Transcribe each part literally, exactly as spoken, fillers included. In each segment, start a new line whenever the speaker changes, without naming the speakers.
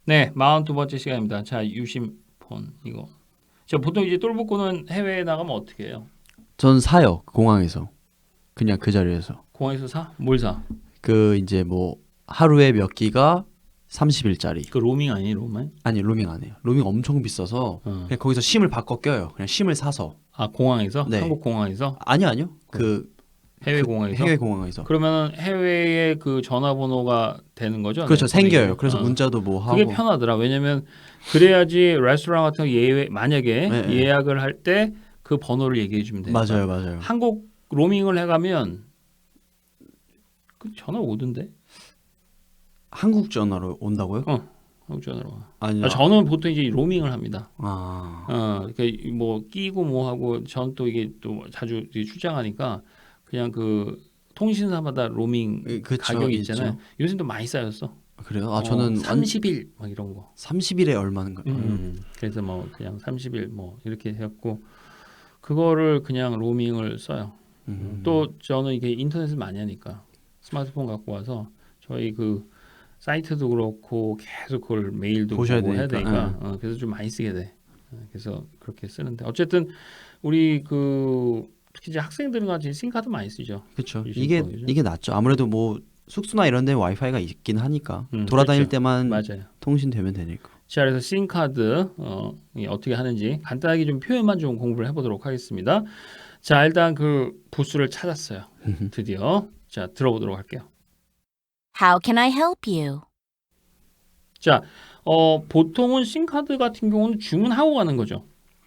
네, 사십이 번째 시간입니다. 자, 유심폰 이거. 저 보통 이제 똘복구는 해외에 나가면 어떻게 해요?
전 사요. 공항에서. 그냥 그 자리에서.
공항에서 사? 뭘 사?
그 이제 뭐 하루에 몇 기가 삼십 일짜리.
그 로밍 아니에요, 로밍?
아니 로밍 안 해요. 로밍 엄청 비싸서
어.
그냥 거기서 심을 바꿔 껴요. 그냥 심을 사서.
아, 공항에서?
네.
한국 공항에서?
아니요 아니요. 그
해외
그
공항에서?
해외 공항에서.
그러면 해외에 그 전화번호가 되는 거죠?
그렇죠.
네,
생겨요. 그래서
어.
문자도 뭐 하고.
그게 편하더라. 왜냐면 그래야지 레스토랑 같은 거 예외 만약에
네, 네.
예약을 할 때 그 번호를 얘기해 주면 되니까.
맞아요 맞아요.
한국 로밍을 해가면 그 전화 오던데?
한국 전화로 온다고요?
어, 한국 전화로 와.
아니요.
아, 저는 보통 이제 로밍을 합니다.
아.
어, 그러니까 뭐 끼고 뭐 하고 전 또 이게 또 자주 이제 출장하니까 그냥 그 통신사마다 로밍
예, 그쵸,
가격이 있잖아요.
있죠.
요즘 또 많이 쌓였어.
그래요? 아
어,
저는
삼십 일 막 이런 거.
삼십 일에 얼마인가? 음.
음, 그래서 뭐 그냥 삼십 일 뭐 이렇게 해갖고 그거를 그냥 로밍을 써요.
음.
또 저는 이게 인터넷을 많이 하니까 스마트폰 갖고 와서 저희 그 사이트도 그렇고 계속 그걸 메일도
보셔야
보고 해야
되니까,
되니까 어, 그래서 좀 많이 쓰게 돼. 어, 그래서 그렇게 쓰는데 어쨌든 우리 그 특히 이제 학생들은 같이 싱카드 많이 쓰죠.
그렇죠.
유심
이게
폰이죠.
이게 낫죠. 아무래도 뭐 숙소나 이런 데 와이파이가 있긴 하니까
음,
돌아다닐
그렇죠.
때만
맞아요.
통신되면 되니까.
자, 그래서 싱카드 어, 이 어떻게 하는지 간단하게 좀 표현만 좀 공부를 해보도록 하겠습니다. 자, 일단 그 부스를 찾았어요. 드디어 자 들어보도록 할게요.
How can I help you?
자, 어, 보통은 싱카드 같은 경우는 주문하고 가는 거죠.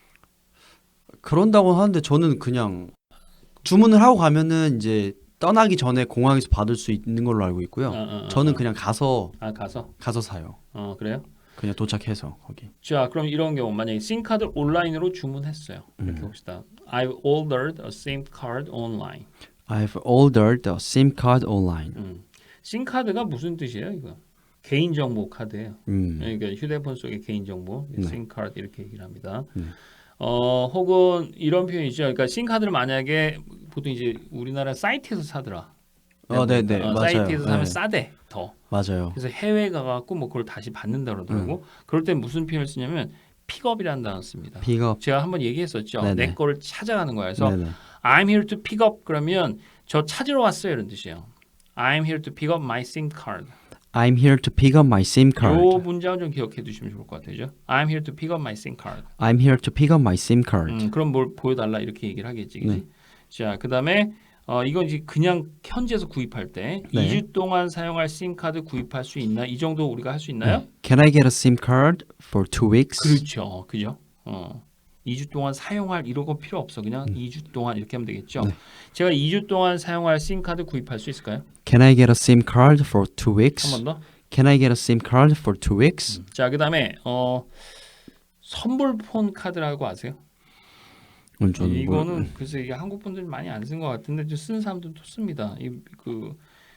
그런다고 하는데 저는 그냥 주문을 하고 가면은 이제 떠나기 전에 공항에서 받을 수 있는 걸로 알고 있고요.
어, 어, 어,
저는
어.
그냥 가서
아 가서
가서 사요.
어 그래요?
그냥 도착해서 거기.
자, 그럼 이런 경우 만약에 싱카드 온라인으로 주문했어요. 이렇게
음.
봅시다. I've ordered a SIM card online.
I've ordered a SIM card online.
음. 싱카드가 무슨 뜻이에요, 이거? 개인정보 카드예요.
음.
그러니까 휴대폰 속의 개인정보,
네.
심카드 이렇게 얘기를 합니다.
네.
어, 혹은 이런 표현이죠. 그러니까 심카드를 만약에 보통 이제 우리나라 사이트에서 사더라.
어, 네, 네,
어,
맞아요.
사이트에서 사면
네.
싸대 더.
맞아요.
그래서 해외 가갖고 뭐 그걸 다시 받는다 그러더라고.
음.
그럴 때 무슨 표현을 쓰냐면 픽업이라는 단어 씁니다.
픽업.
제가 한번 얘기했었죠.
네네.
내 거를 찾아가는 거야. 그래서
네네.
I'm here to pick up 그러면 저 찾으러 왔어요 이런 뜻이에요. I'm here to pick up my SIM card.
I'm here to pick up my SIM card.
요 문장은 좀 기억해 두시면 좋을 것 같아요. I'm here to pick up my SIM card.
I'm here to pick up my SIM card.
음, 그럼 뭘 보여달라 이렇게 얘기를 하겠지. 그지?
네.
자, 그다음에 어, 이건 이제 그냥 현지에서 구입할 때
네.
이 주 동안 사용할 심카드 구입할 수 있나? 이 정도 우리가 할 수 있나요?
네. Can I get a SIM card for two weeks?
그렇죠, 그죠? 어, 이 주 동안 사용할 이런 거 필요 없어. 그냥
음.
이 주 동안 이렇게 하면 되겠죠.
네.
제가 이 주 동안 사용할 심카드 구입할 수 있을까요?
Can I get a SIM card for two weeks?
한 번 더.
Can I get a SIM card for two weeks?
자, 그다음에 어, 선불폰 카드라고 아세요?
음, 저는
이거는
뭐,
글쎄 이게 한국 분들이 많이 안 쓴 것 같은데 좀 쓰는 사람들도 씁니다. 이그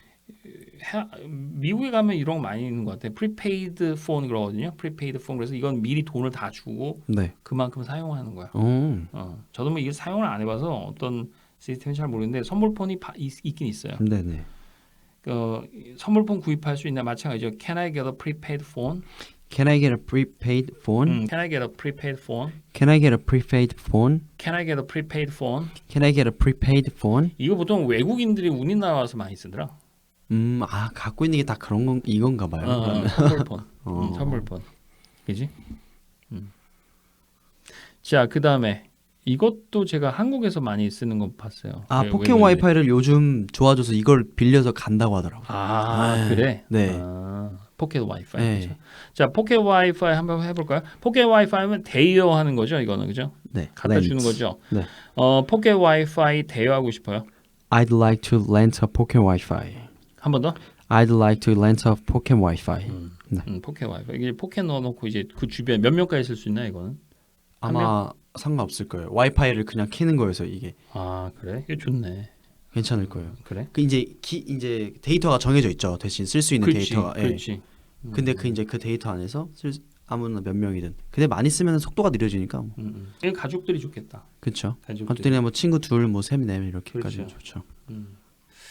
미국에 가면 이런 거 많이 있는 것 같아요. 프리페이드 폰 그러거든요. 프리페이드 폰 그래서 이건 미리 돈을 다 주고
네.
그만큼 사용하는 거야.
어.
어, 저도 뭐 이게 사용을 안 해봐서 어떤 시스템인지 잘 모르는데 선물폰이 바, 있, 있긴 있어요.
네네.
어, 선물폰 구입할 수 있나 마찬가지죠. Can I get a prepaid phone?
Can I get a prepaid phone?
음, Can I get a prepaid phone?
Can I get a prepaid phone?
Can I get a prepaid phone?
Can I get a prepaid phone?
이거 보통 외국인들이 우리나라 와서 많이 쓰더라.
음, 아 갖고 있는 게 다 그런 건 이건가 봐요.
어,
그러면.
선물폰.
어.
음, 선물폰. 그지? 음. 자, 그 다음에 이것도 제가 한국에서 많이 쓰는 거 봤어요.
아
왜-
포켓
왜- 왜-
와이파이를 요즘 좋아져서 이걸 빌려서 간다고 하더라고요.
아,
네.
그래?
네.
아, 포켓 와이파이.
네.
그죠? 자, 포켓 와이파이 한번 해볼까요? 포켓 와이파이면 대여하는 거죠, 이거는 그죠?
네.
갖다
rent.
주는 거죠.
네.
어, 포켓 와이파이 대여하고 싶어요.
I'd like to rent a pocket Wi-Fi.
한 번 더.
I'd like to rent a pocket Wi-Fi.
음,
네.
음, 포켓 와이파이. 이게 포켓 넣어놓고 이제 그 주변 몇 명까지 쓸 수 있나 이거는? 한
아마 상관없을 거예요. 와이파이를 그냥 켜는 거여서 이게
아, 그래? 이게 좋네.
괜찮을 거예요.
그래?
그 이제 기, 이제 데이터가 정해져 있죠. 대신 쓸 수 있는
그렇지,
데이터가. 예.
그렇지. 음,
근데 그 이제 그 데이터 안에서 쓸 수- 아무나 몇 명이든. 근데 많이 쓰면 속도가 느려지니까. 뭐.
음, 음. 이거 가족들이 좋겠다.
그렇죠.
가족들이.
가족들이나 뭐 친구 둘, 뭐 세, 네 명 이렇게까지
그렇죠.
좋죠.
음.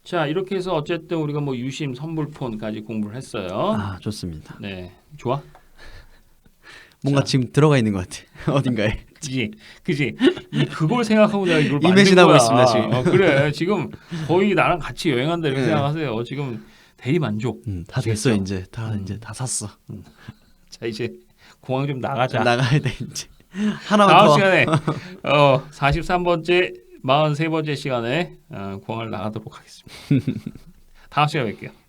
자, 이렇게 해서 어쨌든 우리가 뭐 유심 선불폰까지 공부를 했어요.
아 좋습니다.
네, 좋아.
뭔가
자.
지금 들어가 있는 것 같아. 어딘가에.
그지, 그지. 이 그걸 생각하고 내가 이걸 만든
이매진하고
거야.
있습니다, 지금.
어, 그래, 지금 거의 나랑 같이 여행한다 이렇게
네.
생각하세요. 지금 대리 만족.
음, 다 됐어
아시겠죠?
이제 다
음.
이제 다 샀어.
자, 이제 공항 좀 나가자.
나가야 돼 이제. 하나만
다음
더.
시간에 어, 사십삼 번째, 사십삼 번째 시간에 어, 공항을 나가도록 하겠습니다. 다음 시간에 뵐게요.